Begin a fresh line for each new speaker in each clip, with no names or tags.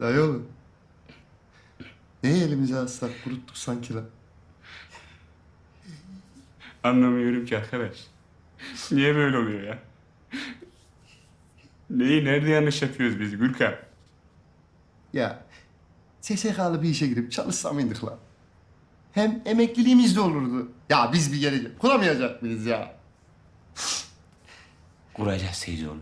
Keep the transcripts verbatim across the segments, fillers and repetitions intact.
Dayı oğlum. Neyi elimize alsak kuruttuk sanki lan.
Anlamıyorum ki arkadaş. Niye böyle oluyor ya? Neyi nerede yanlış yapıyoruz biz Gürkan?
Ya S S K'lı bir işe girip çalışsa mıydık lan? Hem emekliliğimiz de olurdu. Ya biz bir gelecek kuramayacak mıyız ya?
Kuracağız Seyitoğlu.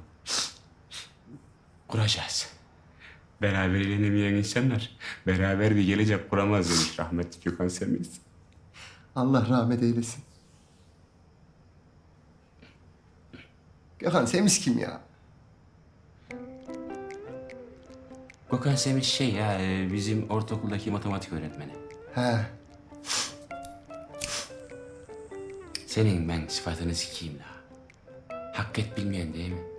Kuracağız. Beraber eğlenemeyen insanlar beraber bir gelecek kuramaz demiş rahmetli Gökhan Semiz.
Allah rahmet eylesin. Gökhan Semiz kim ya?
Gökhan Semiz şey ya e, bizim ortaokuldaki matematik öğretmeni.
He.
Senin ben sıfatını sikeyim la. Hak et bilmeyen değil mi?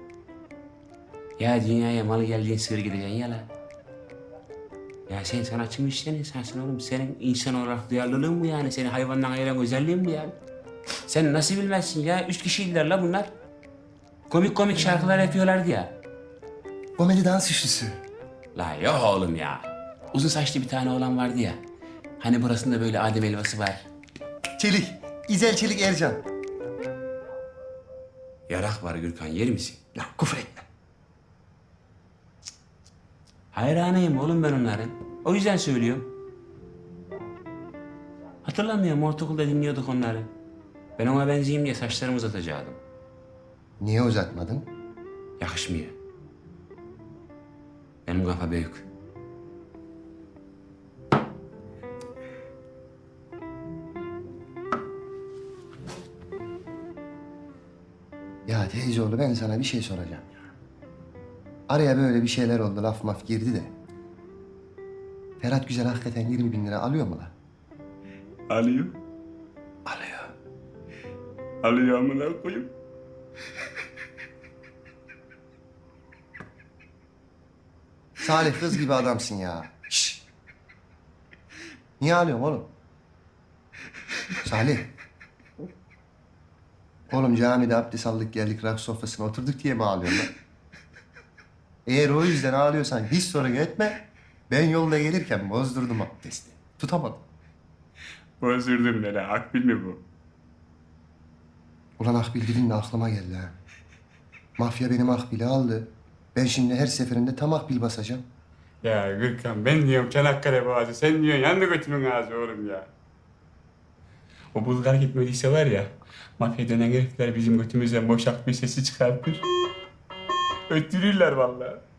Ya dünyaya malı geldiğin sığır gideceksin ya la. Ya sen sanatçı mı işleyen insansın oğlum? Senin insan olarak duyarlılığın mı yani? Seni hayvandan ayıran özelliğin mi yani? Sen nasıl bilmezsin ya? Üç kişiydiler la bunlar. Komik komik şarkılar yapıyorlardı ya.
Komedi dans üçlüsü.
La yok oğlum ya. Uzun saçlı bir tane oğlan vardı ya. Hani burasında böyle Adem elması var.
Çelik. İzel Çelik Ercan.
Yarak var Gürkan, yer misin?
Ya küfür etme.
Hayranıyım oğlum ben onların. O yüzden söylüyorum. Hatırlamıyorum, ortaokulda dinliyorduk onları. Ben ona benzeyeyim diye saçlarımı uzatacaktım.
Niye uzatmadın?
Yakışmıyor. Benim kafa büyük.
Ya teyzeoğlu ben sana bir şey soracağım ya. Araya böyle bir şeyler oldu, laf maf girdi de. Ferhat Güzel hakikaten yirmi bin lira alıyor mu lan?
Alıyor.
Alıyor.
Alıyor amına koyayım.
Salih kız gibi adamsın ya. Şşş. Niye ağlıyorsun oğlum? Salih. Oğlum camide abdest aldık geldik rak sofrasına oturduk diye mi ağlıyorsun lan? Eğer o yüzden ağlıyorsan hiç sorun etme. Ben yolda gelirken bozdurdum abdesti. Tutamadım.
Bozdurdum ne la, akbil mi bu?
Ulan Akbil dedin de aklıma geldi ha. Mafya benim Akbil'i aldı. Ben şimdi her seferinde tam Akbil basacağım.
Ya Gürkan, ben diyorum Çanakkale Boğazı, sen diyorsun yandı götümün ağzı oğlum ya. O Bulgar gitmediyse var ya, mafya dönen herifler bizim götümüzden boşalt bir sesi çıkartır. Öttürürler vallahi.